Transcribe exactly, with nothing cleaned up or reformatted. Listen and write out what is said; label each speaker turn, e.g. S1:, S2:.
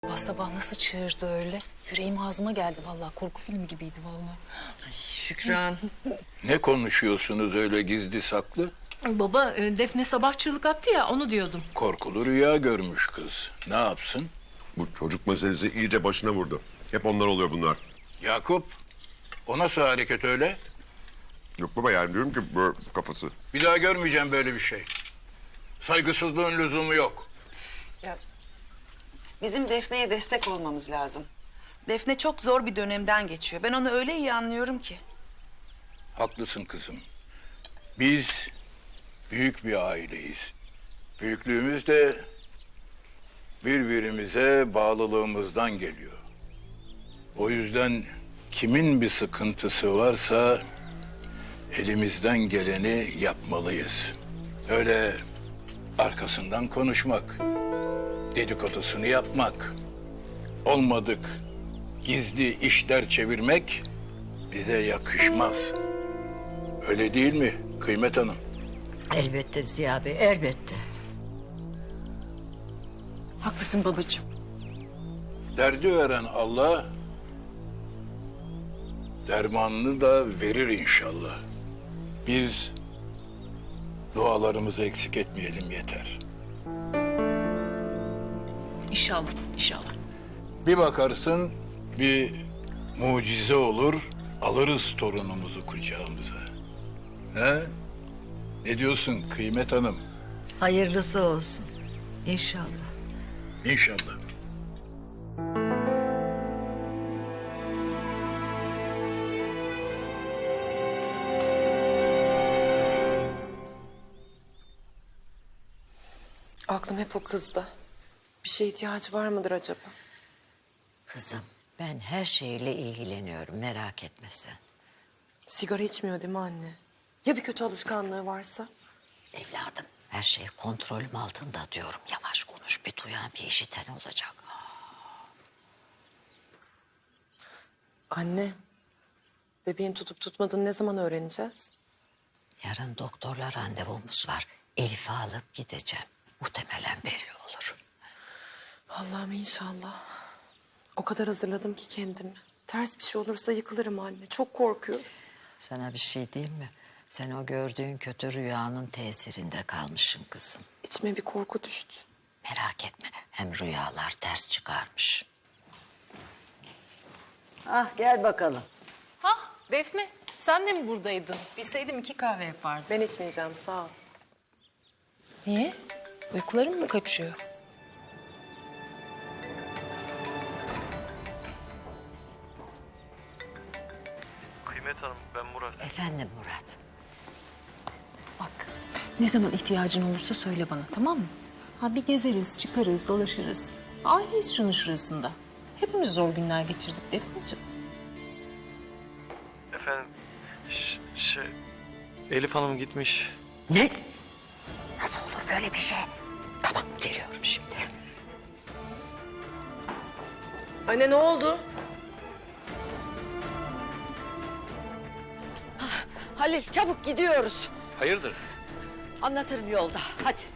S1: Sabah sabah nasıl çığırdı öyle? Yüreğim ağzıma geldi vallahi. Korku filmi gibiydi vallahi.
S2: Ay Şükran.
S3: Ne konuşuyorsunuz öyle gizli saklı?
S2: Baba e, Defne sabah çığlık attı ya onu diyordum.
S3: Korkulu rüya görmüş kız. Ne yapsın?
S4: Bu çocuk meselesi iyice başına vurdu. Hep ondan oluyor bunlar.
S3: Yakup, o nasıl hareket öyle?
S4: Yok baba yani diyorum ki böyle kafası.
S3: Bir daha görmeyeceğim böyle bir şey. Saygısızlığın lüzumu yok.
S5: Ya, bizim Defne'ye destek olmamız lazım. Defne çok zor bir dönemden geçiyor. Ben onu öyle iyi anlıyorum ki.
S3: Haklısın kızım. Biz büyük bir aileyiz. Büyüklüğümüz de birbirimize bağlılığımızdan geliyor. O yüzden kimin bir sıkıntısı varsa elimizden geleni yapmalıyız. Öyle arkasından konuşmak, dedikodusunu yapmak, olmadık gizli işler çevirmek bize yakışmaz. Öyle değil mi Kıymet Hanım?
S6: Elbette Ziya Bey, elbette.
S1: Haklısın babacığım.
S3: Derdi veren Allah dermanını da verir inşallah. Biz dualarımızı eksik etmeyelim yeter.
S1: İnşallah, inşallah.
S3: Bir bakarsın bir mucize olur, alırız torunumuzu kucağımıza. He? Ne diyorsun Kıymet Hanım?
S6: Hayırlısı olsun. İnşallah.
S3: İnşallah.
S7: Aklım hep o kızda. Bir şeye ihtiyacı var mıdır acaba?
S6: Kızım, ben her şeyle ilgileniyorum, merak etme sen.
S7: Sigara içmiyor değil mi anne? Ya bir kötü alışkanlığı varsa?
S6: Evladım, her şey kontrolüm altında diyorum. Yavaş konuş, bir duyan bir işiten olacak.
S7: Anne, bebeğin tutup tutmadığını ne zaman öğreneceğiz?
S6: Yarın doktorla randevumuz var. Elif'i alıp gideceğim. Muhtemelen belli olur.
S7: Allah'ım inşallah. O kadar hazırladım ki kendimi. Ters bir şey olursa yıkılırım anne. Çok korkuyorum.
S6: Sana bir şey diyeyim mi? Sen o gördüğün kötü rüyanın tesirinde kalmışsın kızım.
S7: İçime bir korku düştü.
S6: Merak etme, hem rüyalar ters çıkarmış. Ah gel bakalım.
S1: Ha Defne, sen de mi buradaydın? Bilseydim iki kahve yapardım.
S7: Ben içmeyeceğim sağ ol.
S1: Niye? Uykuların mı kaçıyor?
S8: Kıymet Hanım, ben Murat.
S6: Efendim Murat.
S1: Bak, ne zaman ihtiyacın olursa söyle bana, tamam mı? Ha bir gezeriz, çıkarız, dolaşırız. Aileyiz şunun şurasında. Hepimiz zor günler geçirdik Defneciğim.
S8: Efendim, ş- şey... Elif Hanım gitmiş.
S6: Ne? Nasıl olur böyle bir şey? Tamam geliyorum şimdi.
S7: Anne ne oldu?
S6: Halil çabuk gidiyoruz.
S3: Hayırdır?
S6: Anlatırım yolda. Hadi.